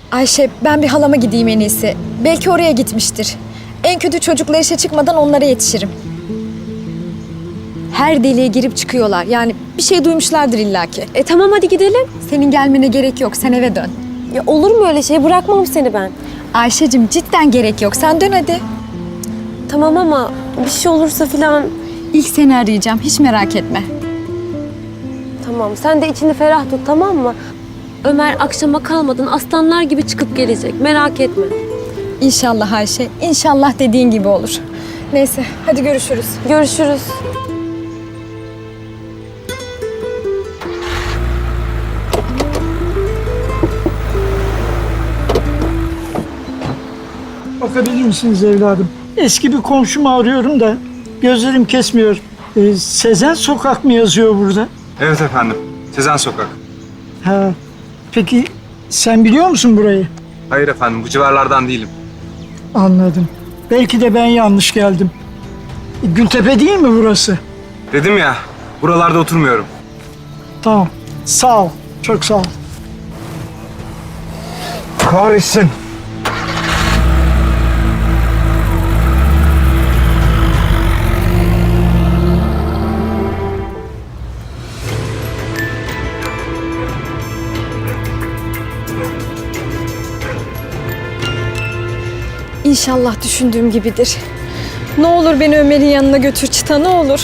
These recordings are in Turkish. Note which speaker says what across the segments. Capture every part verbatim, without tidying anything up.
Speaker 1: Ayşe, ben bir halama gideyim en iyisi. Belki oraya gitmiştir. En kötü çocuklar işe çıkmadan onlara yetişirim. Her deliğe girip çıkıyorlar. Yani bir şey duymuşlardır illaki.
Speaker 2: E tamam hadi gidelim.
Speaker 1: Senin gelmene gerek yok. Sen eve dön.
Speaker 2: Ya olur mu öyle şey? Bırakmam seni ben.
Speaker 1: Ayşe'cim cidden gerek yok. Sen dön hadi.
Speaker 2: Tamam ama bir şey olursa filan...
Speaker 1: İlk seni arayacağım. Hiç merak etme.
Speaker 2: Tamam sen de içini ferah tut tamam mı? Ömer akşama kalmadan aslanlar gibi çıkıp gelecek. Merak etme.
Speaker 1: İnşallah Ayşe. İnşallah dediğin gibi olur. Neyse hadi görüşürüz.
Speaker 2: Görüşürüz.
Speaker 3: Bakabilir misiniz evladım? Eski bir komşumu arıyorum da gözlerim kesmiyor. Ee, Sezen Sokak mı yazıyor burada?
Speaker 4: Evet efendim. Sezen Sokak.
Speaker 3: Ha. Peki sen biliyor musun burayı?
Speaker 4: Hayır efendim, bu civarlardan değilim.
Speaker 3: Anladım. Belki de ben yanlış geldim. E, Gültepe değil mi burası?
Speaker 4: Dedim ya, buralarda oturmuyorum.
Speaker 3: Tamam. Sağ ol. Çok sağ ol.
Speaker 4: Kahretsin.
Speaker 1: İnşallah düşündüğüm gibidir. Ne olur beni Ömer'in yanına götür Çıta, ne olur.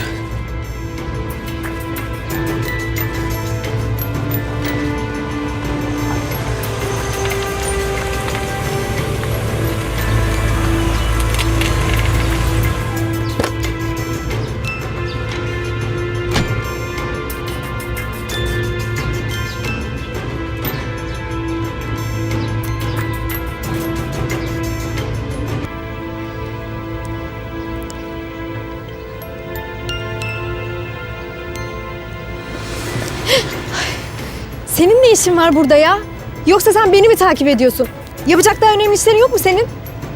Speaker 1: Senin ne işin var burada ya? Yoksa sen beni mi takip ediyorsun? Yapacak daha önemli işlerin yok mu senin?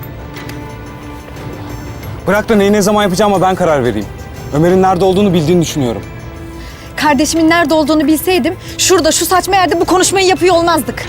Speaker 5: Bırak da neyi ne zaman yapacağıma ben karar vereyim. Ömer'in nerede olduğunu bildiğini düşünüyorum.
Speaker 1: Kardeşimin nerede olduğunu bilseydim, şurada şu saçma yerde bu konuşmayı yapıyor olmazdık.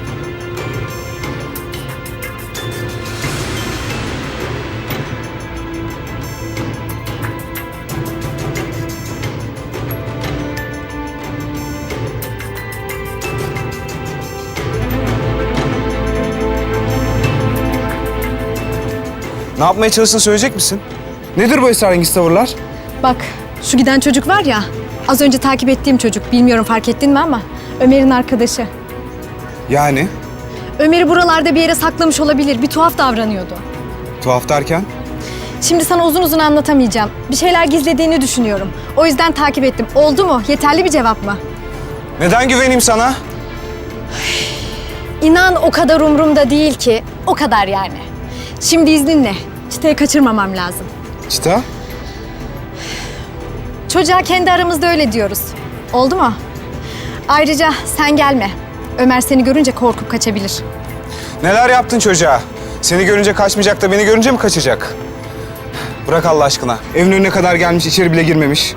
Speaker 5: Ne yapmaya çalıştığını söyleyecek misin? Nedir bu esrarengiz tavırlar?
Speaker 1: Bak, şu giden çocuk var ya, az önce takip ettiğim çocuk, bilmiyorum fark ettin mi ama Ömer'in arkadaşı.
Speaker 5: Yani?
Speaker 1: Ömer'i buralarda bir yere saklamış olabilir, bir tuhaf davranıyordu.
Speaker 5: Tuhaf derken?
Speaker 1: Şimdi sana uzun uzun anlatamayacağım. Bir şeyler gizlediğini düşünüyorum. O yüzden takip ettim. Oldu mu? Yeterli bir cevap mı?
Speaker 5: Neden güveneyim sana?
Speaker 1: İnan o kadar umurumda değil ki. O kadar yani. Şimdi izninle. Çıtayı kaçırmamam lazım.
Speaker 5: Çıta?
Speaker 1: Çocuğa kendi aramızda öyle diyoruz. Oldu mu? Ayrıca sen gelme. Ömer seni görünce korkup kaçabilir.
Speaker 5: Neler yaptın çocuğa? Seni görünce kaçmayacak da beni görünce mi kaçacak? Bırak Allah aşkına. Evin önüne kadar gelmiş, içeri bile girmemiş.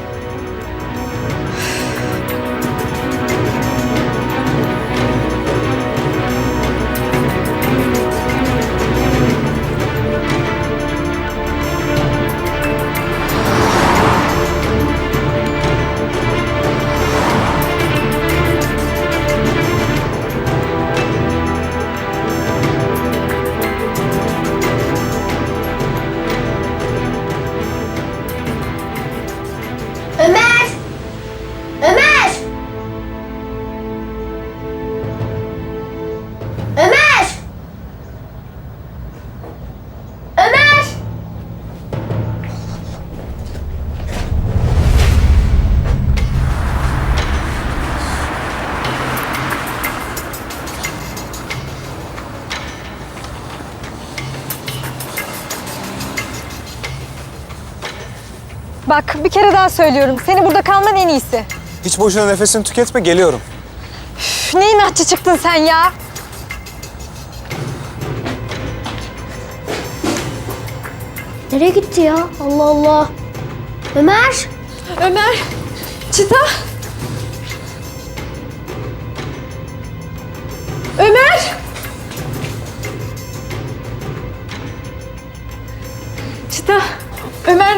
Speaker 6: Ömer! Ömer! Ömer! Ömer!
Speaker 1: Bak bir kere daha söylüyorum. Seni burada kalman en iyisi.
Speaker 5: Hiç boşuna nefesini tüketme, geliyorum.
Speaker 1: Üf, ne inatçı çıktın sen ya?
Speaker 6: Nereye gitti ya? Allah Allah. Ömer!
Speaker 1: Ömer, Çıta. Ömer!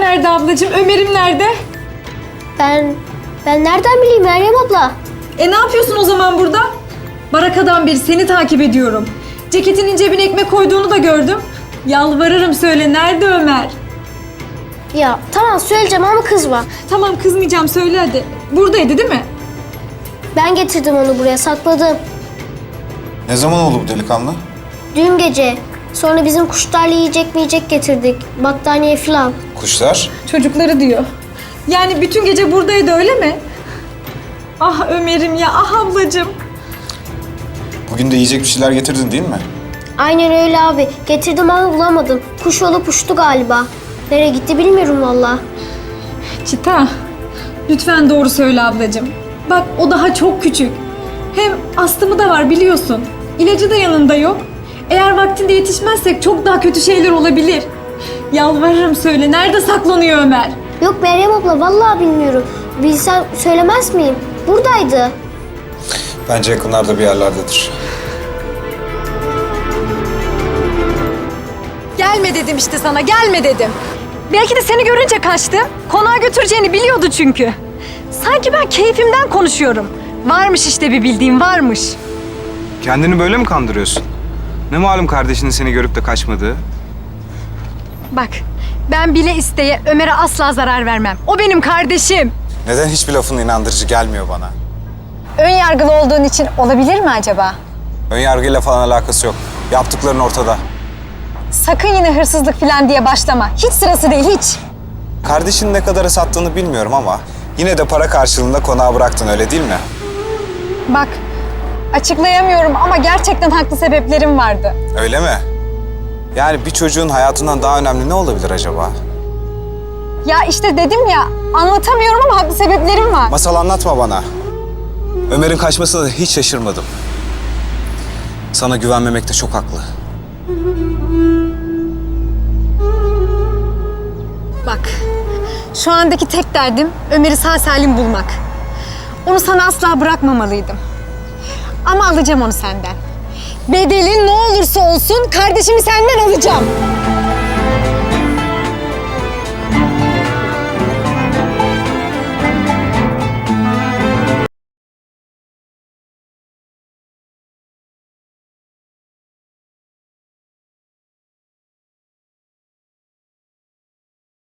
Speaker 1: nerede ablacığım? Ömer'im nerede?
Speaker 6: Ben, ben nereden bileyim Meryem abla?
Speaker 1: E ne yapıyorsun o zaman burada? Barakadan beri seni takip ediyorum. Ceketinin cebine ekmek koyduğunu da gördüm. Yalvarırım söyle, nerede Ömer?
Speaker 6: Ya tamam söyleyeceğim ama kızma.
Speaker 1: Tamam kızmayacağım, söyle hadi. Buradaydı değil mi?
Speaker 6: Ben getirdim onu buraya, sakladım.
Speaker 5: Ne zaman oldu bu delikanlı?
Speaker 6: Dün gece. Sonra bizim kuşlarla yiyecek mi yiyecek getirdik. Battaniye falan.
Speaker 5: Kuşlar?
Speaker 1: Çocukları diyor. Yani bütün gece buradaydı öyle mi? Ah Ömer'im ya, ah ablacığım.
Speaker 5: Bugün de yiyecek bir şeyler getirdin değil mi?
Speaker 6: Aynen öyle abi. Getirdim ama bulamadım. Kuş olup uçtu galiba. Nereye gitti bilmiyorum valla.
Speaker 1: Çita, lütfen doğru söyle ablacığım. Bak o daha çok küçük. Hem astımı da var biliyorsun. İlacı da yanında yok. Eğer vaktinde yetişmezsek çok daha kötü şeyler olabilir. Yalvarırım söyle, nerede saklanıyor Ömer?
Speaker 6: Yok Meryem abla vallahi bilmiyorum. Bilsem söylemez miyim? Buradaydı.
Speaker 5: Bence yakınlarda bir yerlerdedir.
Speaker 1: Gelme dedim işte sana, gelme dedim. Belki de seni görünce kaçtı. Konağa götüreceğini biliyordu çünkü. Sanki ben keyfimden konuşuyorum. Varmış işte bir bildiğim, varmış.
Speaker 4: Kendini böyle mi kandırıyorsun? Ne malum kardeşinin seni görüp de kaçmadığı?
Speaker 1: Bak, ben bile isteye Ömer'e asla zarar vermem. O benim kardeşim.
Speaker 5: Neden hiçbir lafın inandırıcı gelmiyor bana?
Speaker 1: Ön yargılı olduğun için olabilir mi acaba?
Speaker 5: Önyargıyla falan alakası yok. Yaptıkların ortada.
Speaker 1: Sakın yine hırsızlık falan diye başlama. Hiç sırası değil, hiç.
Speaker 5: Kardeşinin ne kadara sattığını bilmiyorum ama yine de para karşılığında konağa bıraktın öyle değil mi?
Speaker 1: Bak, açıklayamıyorum ama gerçekten haklı sebeplerim vardı.
Speaker 5: Öyle mi? Yani bir çocuğun hayatından daha önemli ne olabilir acaba?
Speaker 1: Ya işte dedim ya, anlatamıyorum ama haklı sebeplerim var.
Speaker 5: Masal anlatma bana. Ömer'in kaçmasına da hiç şaşırmadım. Sana güvenmemekte çok haklı.
Speaker 1: Bak, şu andaki tek derdim Ömer'i sağ salim bulmak. Onu sana asla bırakmamalıydım. Ama alacağım onu senden. Bedeli ne olursa olsun kardeşimi senden alacağım.